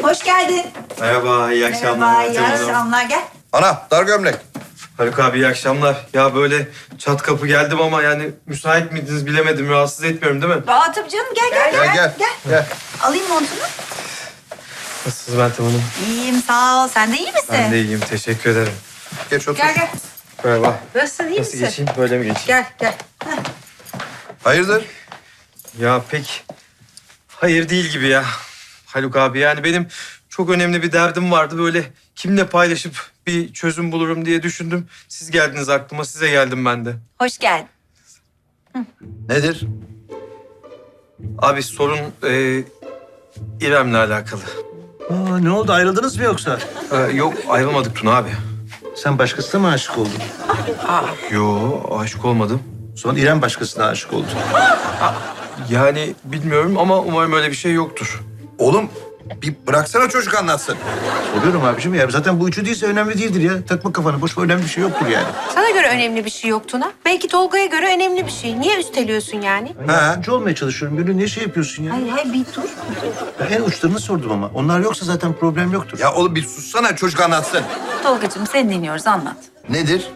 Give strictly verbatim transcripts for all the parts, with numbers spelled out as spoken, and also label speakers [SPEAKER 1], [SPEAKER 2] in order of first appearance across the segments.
[SPEAKER 1] Hoş geldin.
[SPEAKER 2] Merhaba, iyi akşamlar.
[SPEAKER 1] Merhaba, iyi
[SPEAKER 2] Meltem Hanım.
[SPEAKER 1] akşamlar. Gel.
[SPEAKER 3] Ana dar gömlek.
[SPEAKER 2] Haluk abi iyi akşamlar. Ya böyle çat kapı geldim ama yani müsait miydiniz bilemedim. Rahatsız etmiyorum değil mi?
[SPEAKER 1] Aa tabii canım gel gel
[SPEAKER 3] Gel gel. Gel.
[SPEAKER 1] Alayım montunu.
[SPEAKER 2] Nasılsınız Meltem Hanım?
[SPEAKER 1] İyiyim sağ ol. Sen de iyi misin?
[SPEAKER 2] Ben de iyiyim, teşekkür ederim.
[SPEAKER 3] Geç otur.
[SPEAKER 1] Gel gel.
[SPEAKER 2] Merhaba.
[SPEAKER 1] Nasılsın iyi
[SPEAKER 2] Nasıl
[SPEAKER 1] misin?
[SPEAKER 2] geçeyim, böyle mi geçeyim?
[SPEAKER 1] Gel gel. Heh.
[SPEAKER 3] Hayırdır?
[SPEAKER 2] Ya pek hayır değil gibi ya Haluk abi. Yani benim çok önemli bir derdim vardı. Böyle kimle paylaşıp bir çözüm bulurum diye düşündüm. Siz geldiniz aklıma, size geldim ben de.
[SPEAKER 1] Hoş geldin.
[SPEAKER 3] Nedir?
[SPEAKER 2] Abi sorun e, İrem'le alakalı.
[SPEAKER 4] Aa, ne oldu? Ayrıldınız mı yoksa?
[SPEAKER 2] E, yok ayrılmadık Tuna abi.
[SPEAKER 4] Sen başkasına mı aşık oldun?
[SPEAKER 2] Yo aşık olmadım.
[SPEAKER 4] Sonra İrem başkasına aşık oldu.
[SPEAKER 2] Yani bilmiyorum ama umarım öyle bir şey yoktur.
[SPEAKER 3] Oğlum bir bıraksana çocuk anlatsın.
[SPEAKER 4] Soruyorum abiciğim ya. Zaten bu üçü değilse önemli değildir ya. Takma kafanı. Boş ver, önemli bir şey yoktur yani.
[SPEAKER 5] Sana göre önemli bir şey yok Tuna. Belki Tolga'ya göre önemli bir şey. Niye üsteliyorsun yani?
[SPEAKER 4] Ben yardımcı olmaya çalışıyorum. Gönül ne şey yapıyorsun ya?
[SPEAKER 1] Hayır hayır bir dur.
[SPEAKER 4] Ben en uçlarını sordum ama. Onlar yoksa zaten problem yoktur.
[SPEAKER 3] Ya oğlum bir sussana çocuk anlatsın.
[SPEAKER 1] Tolgacığım seni dinliyoruz anlat.
[SPEAKER 3] Nedir?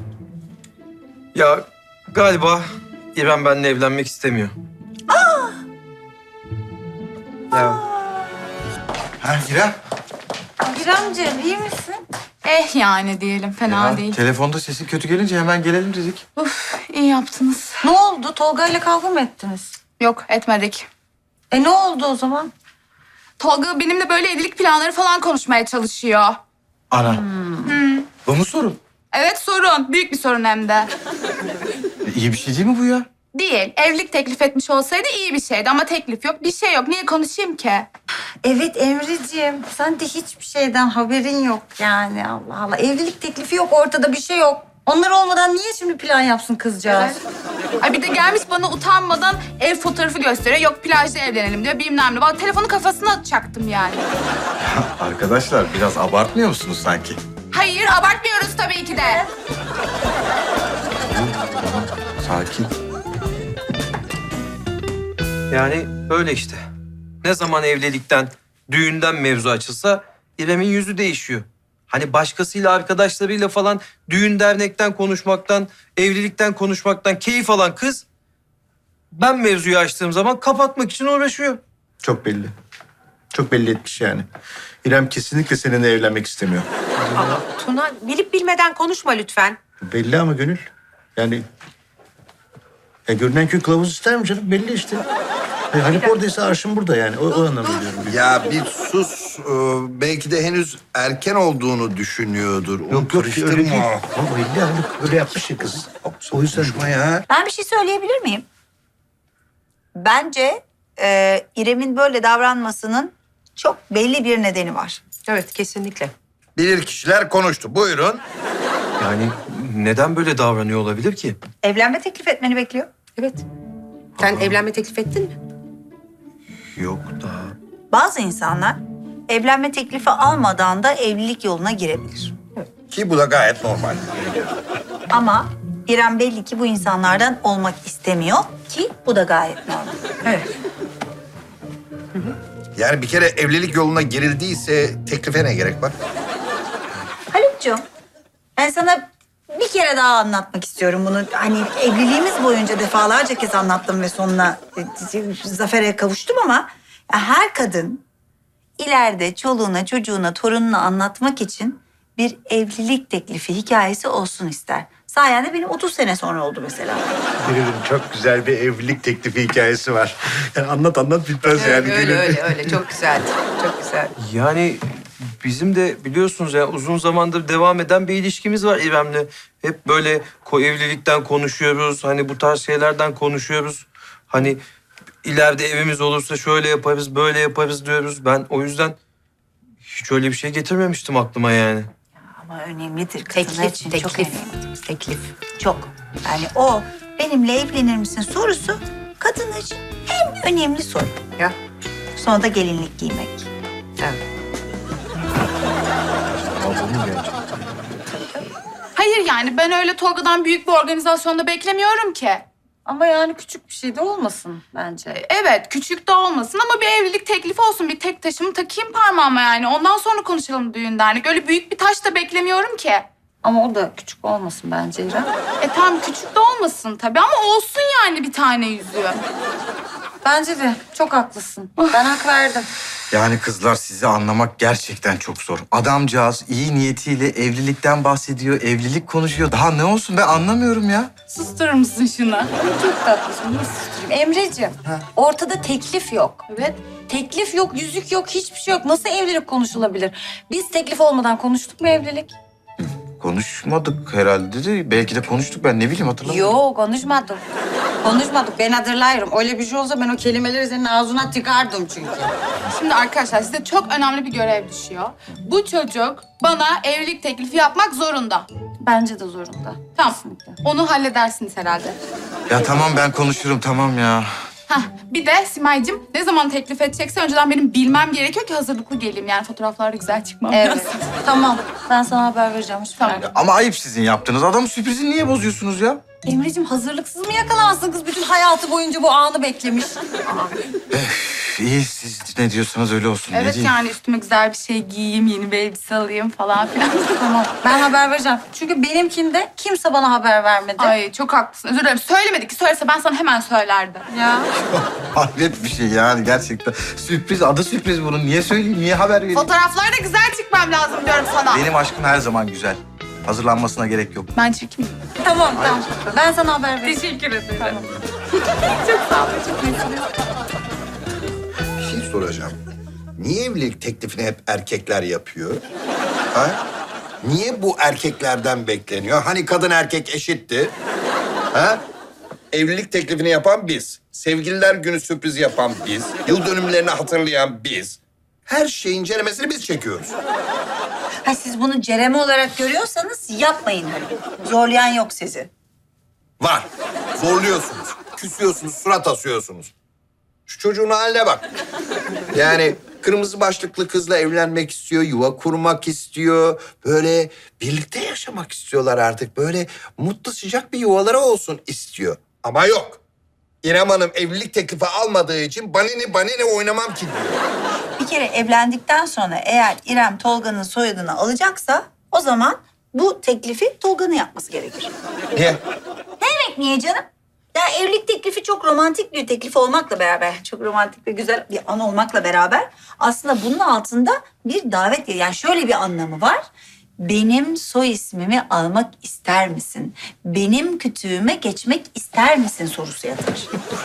[SPEAKER 2] Ya galiba İrem benimle evlenmek istemiyor. Aa! Ya
[SPEAKER 3] Ha İrem.
[SPEAKER 1] İremciğim iyi misin?
[SPEAKER 6] Eh yani diyelim, fena
[SPEAKER 2] ya,
[SPEAKER 6] değil.
[SPEAKER 2] telefonda sesin kötü gelince hemen gelelim dedik.
[SPEAKER 6] Uf, iyi yaptınız.
[SPEAKER 1] Ne oldu? Tolga ile kavga mı ettiniz?
[SPEAKER 6] Yok, etmedik.
[SPEAKER 1] E ne oldu o zaman?
[SPEAKER 6] Tolga benimle böyle evlilik planları falan konuşmaya çalışıyor.
[SPEAKER 2] Ana. Bu mu sorun?
[SPEAKER 6] Evet, sorun. Büyük bir sorun hem de.
[SPEAKER 2] iyi bir şey değil mi bu ya?
[SPEAKER 6] Değil. Evlilik teklif etmiş olsaydı iyi bir şeydi ama teklif yok, bir şey yok. Niye konuşayım ki?
[SPEAKER 1] Evet Emre'ciğim. Sen de hiçbir şeyden haberin yok yani. Allah Allah. Evlilik teklifi yok ortada bir şey yok. Onlar olmadan niye şimdi plan yapsın kızcağız?
[SPEAKER 6] Ay bir de gelmiş bana utanmadan ev fotoğrafı gösteriyor. Yok plajda evlenelim diyor, bilmem ne. Bak telefonu kafasına atacaktım yani.
[SPEAKER 7] Arkadaşlar biraz abartmıyor musunuz sanki?
[SPEAKER 6] Hayır, abartmıyoruz tabii ki de.
[SPEAKER 7] Sakin.
[SPEAKER 2] Yani böyle işte. Ne zaman evlilikten, düğünden mevzu açılsa İrem'in yüzü değişiyor. Hani başkasıyla, arkadaşlarıyla falan düğün dernekten konuşmaktan, evlilikten konuşmaktan keyif alan kız... ...ben mevzuyu açtığım zaman kapatmak için uğraşıyor.
[SPEAKER 4] Çok belli. Çok belli etmiş yani. İrem kesinlikle seninle evlenmek istemiyor.
[SPEAKER 5] Tuna bilip bilmeden konuşma lütfen.
[SPEAKER 4] Belli ama Gönül. Yani... Ya görünen köy kılavuz ister mi canım? Belli işte. E, Haluk oradaysa arşın burada yani. O, o anlamda diyorum.
[SPEAKER 3] Ya bir sus. Ee, belki de henüz erken olduğunu düşünüyordur. Onu
[SPEAKER 4] Yok yok öyle değil.
[SPEAKER 3] karıştırma.
[SPEAKER 4] Ama belli Haluk öyle yapmış ya kız. O yüzden
[SPEAKER 3] Konuşma ya.
[SPEAKER 1] Ben bir şey söyleyebilir miyim? Bence e, İrem'in böyle davranmasının çok belli bir nedeni var.
[SPEAKER 5] Evet kesinlikle.
[SPEAKER 3] Bilir kişiler konuştu. Buyurun.
[SPEAKER 2] Yani neden böyle davranıyor olabilir ki?
[SPEAKER 1] Evlenme teklif etmeni bekliyor.
[SPEAKER 5] Evet. Sen evlenme teklif ettin mi?
[SPEAKER 2] Yok daha.
[SPEAKER 1] Bazı insanlar evlenme teklifi almadan da evlilik yoluna girebilir.
[SPEAKER 3] Ki bu da gayet normal.
[SPEAKER 1] Ama İrem belli ki bu insanlardan olmak istemiyor ki bu da gayet normal.
[SPEAKER 5] Evet.
[SPEAKER 3] Yani bir kere evlilik yoluna girildiyse teklife ne gerek var?
[SPEAKER 1] Haluk'cuğum ben sana bir kere daha anlatmak istiyorum bunu. Hani evliliğimiz boyunca defalarca kez anlattım ve sonuna e, zafere kavuştum ama her kadın ileride çoluğuna, çocuğuna, torununa anlatmak için bir evlilik teklifi hikayesi olsun ister. Sayende benim otuz sene sonra oldu mesela.
[SPEAKER 4] Gönül'ün çok güzel bir evlilik teklifi hikayesi var. Yani anlat anlat bitmez yani.
[SPEAKER 5] öyle
[SPEAKER 4] Gönül.
[SPEAKER 5] öyle öyle çok güzeldi. Çok güzel.
[SPEAKER 2] Yani bizim de biliyorsunuz ya uzun zamandır devam eden bir ilişkimiz var İrem'le. Hep böyle ko evlilikten konuşuyoruz. Hani bu tarz şeylerden konuşuyoruz. Hani ileride evimiz olursa şöyle yaparız, böyle yaparız diyoruz. Ben o yüzden hiç öyle bir şey getirmemiştim aklıma yani.
[SPEAKER 1] Ama önemlidir kadınlar
[SPEAKER 5] Teklif,
[SPEAKER 1] için.
[SPEAKER 5] teklif.
[SPEAKER 1] Çok önemli.
[SPEAKER 5] Teklif.
[SPEAKER 1] Çok. Yani o benimle evlenir misin sorusu kadın için en önemli soru.
[SPEAKER 5] Ya.
[SPEAKER 1] Sonra da gelinlik giymek.
[SPEAKER 5] Evet.
[SPEAKER 6] Hayır yani ben öyle Tolga'dan büyük bir organizasyonda beklemiyorum ki.
[SPEAKER 1] Ama yani küçük bir şey de olmasın bence.
[SPEAKER 6] Evet, küçük de olmasın ama bir evlilik teklifi olsun. Bir tek taşımı takayım parmağıma yani. Ondan sonra konuşalım düğün dernek. Öyle büyük bir taş da beklemiyorum ki.
[SPEAKER 1] Ama o da küçük olmasın bence İrem.
[SPEAKER 6] E tamam küçük de olmasın tabii ama olsun yani bir tane yüzüğü.
[SPEAKER 1] Bence de çok haklısın. Ben hak verdim.
[SPEAKER 7] Yani kızlar sizi anlamak gerçekten çok zor. Adamcağız iyi niyetiyle evlilikten bahsediyor, evlilik konuşuyor. Daha ne olsun ben anlamıyorum ya.
[SPEAKER 6] Susturur musun şunu?
[SPEAKER 1] Çok tatlısın. Nasıl susturayım? Emreciğim, ortada teklif yok.
[SPEAKER 6] Evet.
[SPEAKER 1] Teklif yok, yüzük yok, hiçbir şey yok. Nasıl evlilik konuşulabilir? Biz teklif olmadan konuştuk mu evlilik?
[SPEAKER 7] Konuşmadık herhalde de. Belki de konuştuk ben ne bileyim hatırlamıyorum.
[SPEAKER 1] Yok, konuşmadık. Konuşmadık. Ben hatırlıyorum. Öyle bir şey olsa ben o kelimeleri senin ağzına tıkardım çünkü.
[SPEAKER 6] Şimdi arkadaşlar size çok önemli bir görev düşüyor. Bu çocuk bana evlilik teklifi yapmak zorunda.
[SPEAKER 1] Bence de zorunda.
[SPEAKER 6] Tamam.
[SPEAKER 1] Kesinlikle.
[SPEAKER 6] Onu halledersiniz herhalde.
[SPEAKER 7] Ya tamam ben konuşurum tamam ya.
[SPEAKER 6] Hah, bir de Simay'cığım ne zaman teklif edecekse önceden benim bilmem gerekiyor ki hazırlıklı geleyim. Yani fotoğraflarda güzel çıkmam
[SPEAKER 1] Evet.
[SPEAKER 6] lazım.
[SPEAKER 1] Tamam. Ben sana haber vereceğim. Hiç
[SPEAKER 6] Tamam.
[SPEAKER 1] merak etme.
[SPEAKER 7] Ama ayıp sizin yaptığınız. Adamın sürprizini niye bozuyorsunuz ya?
[SPEAKER 1] Emreciğim hazırlıksız mı yakalansın kız? Bütün hayatı boyunca bu anı beklemiş.
[SPEAKER 7] Üf, İyi siz ne diyorsanız öyle olsun. ne
[SPEAKER 6] Evet
[SPEAKER 7] diyeyim?
[SPEAKER 6] yani üstüme güzel bir şey giyeyim, yeni bir elbise alayım falan filan.
[SPEAKER 1] Tamam. Ben haber vereceğim. Çünkü benimkinde kimse bana haber vermedi.
[SPEAKER 6] Ay çok haklısın. Özür dilerim. Söylemedik ki söylese ben sana hemen söylerdim.
[SPEAKER 1] Ya.
[SPEAKER 7] Hayret bir şey yani gerçekten. Sürpriz, adı sürpriz bunun. Niye söyleyeyim, niye haber vereyim?
[SPEAKER 6] Fotoğraflarda güzel çıkmam lazım diyorum sana.
[SPEAKER 7] Benim aşkım her zaman güzel. Hazırlanmasına gerek yok.
[SPEAKER 6] Ben çekeyim.
[SPEAKER 1] Tamam tamam. Ben sana haber vereceğim.
[SPEAKER 6] Teşekkür ederim.
[SPEAKER 1] Tamam.
[SPEAKER 6] Çok sağ olun. Çok iyisiniz.
[SPEAKER 3] Bir şey soracağım. Niye evlilik teklifini hep erkekler yapıyor? Ha? Niye bu erkeklerden bekleniyor? Hani kadın erkek eşitti? Ha? Evlilik teklifini yapan biz. Sevgililer günü sürpriz yapan biz. Yıl dönümlerini hatırlayan biz. Her şeyin ceremesini biz çekiyoruz.
[SPEAKER 1] Ha, siz bunu cereme olarak görüyorsanız yapmayın. Zorlayan yok sizi.
[SPEAKER 3] Var. Zorluyorsunuz. Küsüyorsunuz, surat asıyorsunuz. Şu çocuğun haline bak. Yani kırmızı başlıklı kızla evlenmek istiyor, yuva kurmak istiyor. Böyle birlikte yaşamak istiyorlar artık. Böyle mutlu sıcak bir yuvaları olsun istiyor. Ama yok. İrem Hanım evlilik teklifi almadığı için banini banini oynamam ki diyor.
[SPEAKER 1] Bir kere evlendikten sonra eğer İrem Tolga'nın soyadını alacaksa o zaman bu teklifi Tolga'nın yapması gerekir.
[SPEAKER 3] Niye?
[SPEAKER 1] Ne demek niye canım? Ya evlilik teklifi çok romantik bir teklif olmakla beraber, çok romantik ve güzel bir an olmakla beraber aslında bunun altında bir davet, yani şöyle bir anlamı var. Benim soy ismimi almak ister misin? Benim kütüğüme geçmek ister misin sorusu yatır.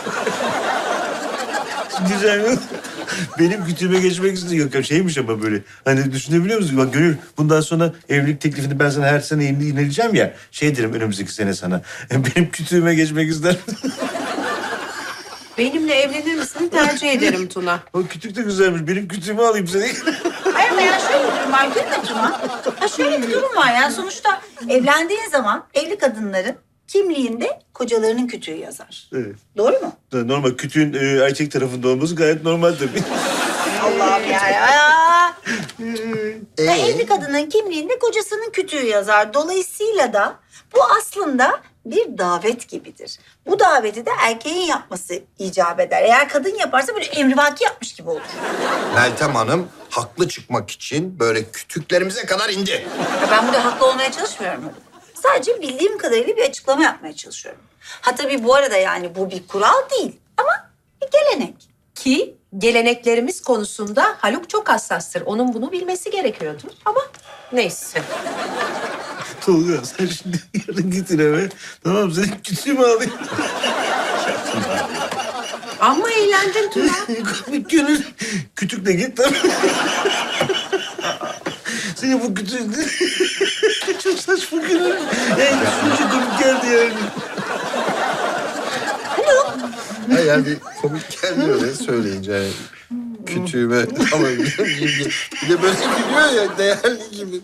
[SPEAKER 4] Güzel. Benim kütüğüme geçmek istiyor. Yok, şeymiş ama böyle. Hani düşünebiliyor musun? Bak Gönül, bundan sonra evlilik teklifini ben sana her sene ineleyeceğim ya. Şey derim önümüzdeki sene sana. Benim kütüğüme geçmek ister misin?
[SPEAKER 5] Benimle evlenir misin tercih ederim Tuna.
[SPEAKER 4] O kütük de güzelmiş. Benim kütüğümü alayım seni.
[SPEAKER 1] Hayır ama ya şöyle bir durum var. Gülme Tuna. Ha şöyle bir durum var ya. Sonuçta evlendiğin zaman evli kadınların kimliğinde kocalarının kütüğü yazar.
[SPEAKER 4] Evet.
[SPEAKER 1] Doğru mu?
[SPEAKER 4] Normal kütüğün e, erkek tarafında olması gayet normal tabii.
[SPEAKER 1] Allah'ım ya ya.
[SPEAKER 3] Ee?
[SPEAKER 1] Ya evli kadının kimliğinde kocasının kütüğü yazar. Dolayısıyla da bu aslında bir davet gibidir. Bu daveti de erkeğin yapması icap eder. Eğer kadın yaparsa böyle emrivaki yapmış gibi olur.
[SPEAKER 3] Meltem Hanım haklı çıkmak için böyle kütüklerimize kadar indi.
[SPEAKER 1] Ya ben burada haklı olmaya çalışmıyorum. Sadece bildiğim kadarıyla bir açıklama yapmaya çalışıyorum. Ha tabii bu arada yani bu bir kural değil ama bir gelenek.
[SPEAKER 5] Ki geleneklerimiz konusunda Haluk çok hassastır. Onun bunu bilmesi gerekiyordu ama neyse.
[SPEAKER 4] Tolga sen şimdi yarın git eve. Tamam senin kütüğümü alayım.
[SPEAKER 5] Ama eğlendin Tuna.
[SPEAKER 4] Gönül kütükle git tamam. Senin bu kütüğün çok saçma Gönül. Yani düşünce komik geldi yani.
[SPEAKER 3] Ha yani bir komik gelmiyor öyle söyleyince. Yani. Kütüğüme alabilir miyim? Bir de böyle gülüyor ya değerli gibi.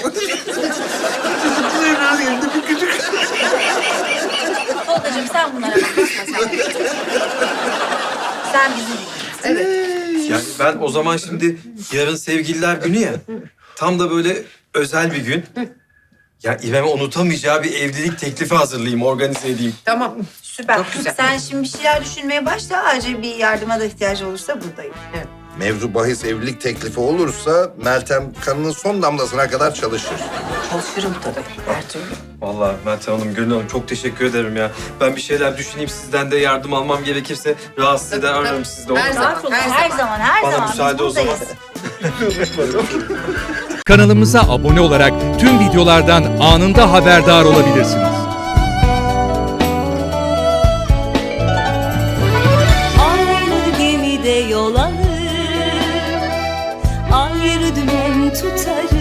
[SPEAKER 4] Biraz yerinde bir kütük.
[SPEAKER 1] Tolgacığım sen bunlara bakma sen. Sen bizi dinle.
[SPEAKER 5] Evet.
[SPEAKER 2] Yani ben o zaman şimdi yarın sevgililer günü ya. Tam da böyle özel bir gün. Ya İrem'e unutamayacağı bir evlilik teklifi hazırlayayım, organize edeyim.
[SPEAKER 5] Tamam, süper. Çok güzel.
[SPEAKER 1] Sen şimdi bir şeyler düşünmeye başla. Acil bir yardıma da ihtiyacı olursa buradayım.
[SPEAKER 3] Mevzu bahis evlilik teklifi olursa Meltem kanının son damlasına kadar çalışır.
[SPEAKER 1] Çalışırım tabii her türlü.
[SPEAKER 2] Vallahi Meltem Hanım, Gönül Hanım çok teşekkür ederim ya. Ben bir şeyler düşüneyim, sizden de yardım almam gerekirse rahatsız eder, ararım sizi de. olur mu?
[SPEAKER 5] Her zaman, her
[SPEAKER 1] Her
[SPEAKER 5] zaman.
[SPEAKER 1] zaman, her
[SPEAKER 2] Bana
[SPEAKER 1] zaman.
[SPEAKER 2] müsaade
[SPEAKER 1] Biz
[SPEAKER 2] o zaman.
[SPEAKER 1] buradayız.
[SPEAKER 8] Kanalımıza abone olarak tüm videolardan anında haberdar olabilirsiniz.
[SPEAKER 9] Aynı gemide yol alır, ayrı dümen tutarız.